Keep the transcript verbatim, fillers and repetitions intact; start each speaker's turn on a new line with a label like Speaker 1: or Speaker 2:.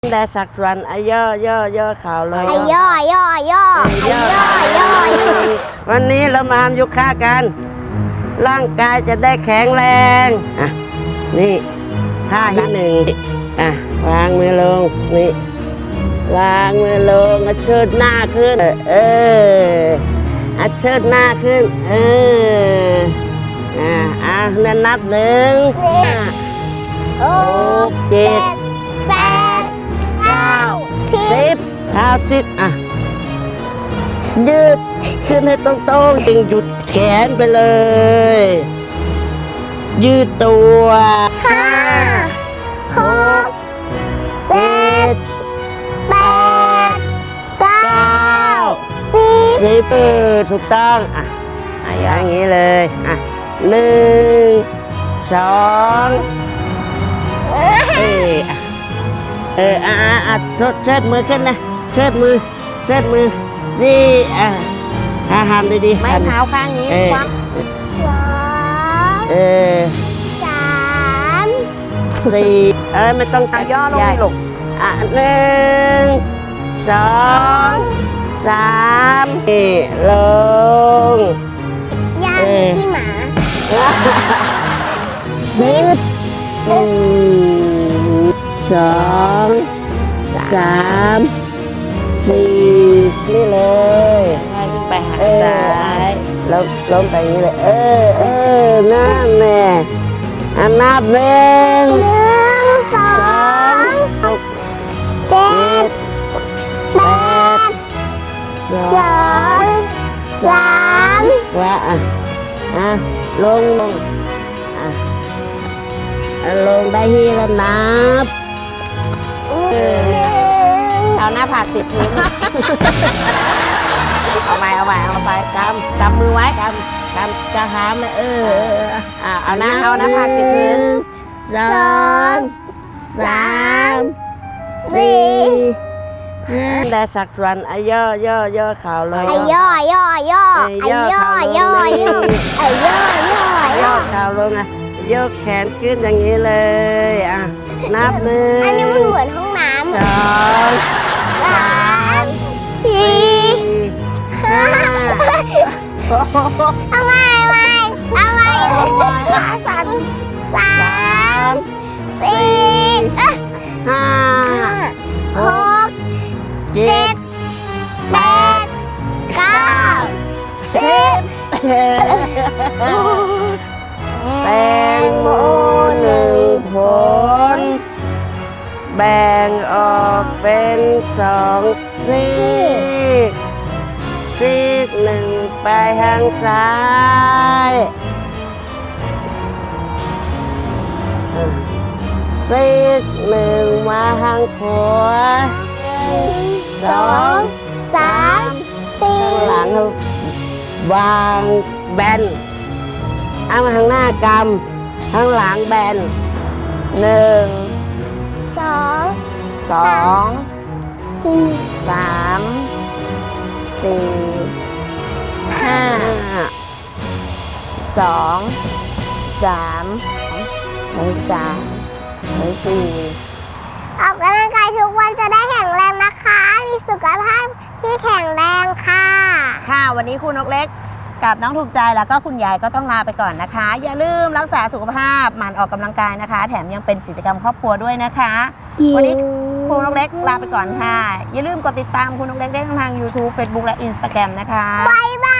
Speaker 1: ได้สักส่วนอาย่อย่อย่อข่าวเลย
Speaker 2: อาย่อย่อย่ออาย่อย่อ
Speaker 1: วันนี้เรามาทำยุค่ากัน ร่างกายจะได้แข็งแรงอ่ะนี่ท่าที่หนึ่งอ่ะวางมือลงนี่วางมือลงอ่ะเชิดหน้าขึ้นเอออ่ะเชิดหน้าขึ้นเอออ่ะอ่ะนั่นนับหนึ่งหกเจ็ด
Speaker 2: แปดเก้าสิบ
Speaker 1: เท้าซิดอ่ะยืดขึ้นให้ตรงๆจึงหยุดแขนไปเลย ยืดตัว
Speaker 2: ห้าหกเจ็ดแปดเก้าสิบ
Speaker 1: สิบเออถูกต้องอ่ะอย่างนี้เลยอ่ะหนึ่งสองเอออ่ะเอออ่ะอ่ะอ่ะเชิดมือขึ้นนะเชิดมือเชิดมือนี่อ่ะอ่ะทำดีๆ
Speaker 2: ไม้เท้าข้างนี้ควักสอง
Speaker 1: เออ
Speaker 2: สาม
Speaker 1: สี่เออไม่ต้องย่อลงลูกอ่ะหนึ่งสองสามนี่ลง
Speaker 2: ย่างที่หมา
Speaker 1: สิบหนึ่งสองสามสี่นี่เลยไปหาซ้ายล้มล้มไปอย่างนี้เลยเออเออนั่นแน่อันนับหนึ่ง
Speaker 2: หนึ่งสองเจ็ดแปดสองสาม
Speaker 1: ว่าอ่ะอ่ะลงลงอ่ะอ่ะลงได้ที่แล้วนับ
Speaker 2: หนึ่ง
Speaker 1: เอาหน้าผากติดพื้น เอาใหม่เอาใหม่เอาไปกำกำมือไว้กำกำกำหามเลยเอออ่ะเอาหน้าเอาหน้าผากติดพื้นสองสามสี่ห้าได้สักส่วนอาย่อย่อย่อข่าวเลย
Speaker 2: อาย่อย่อย่ออาย่อย่อย่ออาย่อย่อย่
Speaker 1: ย่
Speaker 2: อ
Speaker 1: อข่าวลงอ่ะยกแขนขึ้นอย่างนี้เลยอ่ะนับหนึ่ง
Speaker 2: อันนี้มันเหมือนห้องน้
Speaker 1: สอง
Speaker 2: ำสามสี่ห้าเอาใหม่เอาใหม่เอาใหม่ขาสั่นสา
Speaker 1: สาม ม
Speaker 2: สี่
Speaker 1: ห้า
Speaker 2: หก
Speaker 1: เจ็
Speaker 2: เจ็
Speaker 1: ด
Speaker 2: ดแปดเก้า
Speaker 1: สิบแตงโมหนึ่งผลแบ่งออกเป็นสองซีกซีกหนึ่งไปทางซ้ายซีกหนึ่งมาทางขวา
Speaker 2: สองสามสี่
Speaker 1: ข้างหลังวางแบนเอามาข้างหน้ากำข้างหลังแบนหนึ่ง
Speaker 2: สอง
Speaker 1: สองสามสี่ห้าสิบสองสามสิบสามสิบสี่
Speaker 2: ออกกำลังกายทุกวันจะได้แข็งแรงนะคะ มีสุขภาพที่แข็งแรงค่ะ
Speaker 3: ค่ะวันนี้คุณนกเล็กกับน้องถูกใจแล้วก็คุณยายก็ต้องลาไปก่อนนะคะ อย่าลืมรักษาสุขภาพหมั่นออกกำลังกายนะคะ แถมยังเป็นกิจกรรมครอบครัวด้วยนะคะ วันนี้คุณนกเล็กลาไปก่อนค่ะ อย่าลืมกดติดตามคุณนกเล็กได้ทาง YouTube Facebook และ Instagram นะคะ
Speaker 2: บ๊ายบ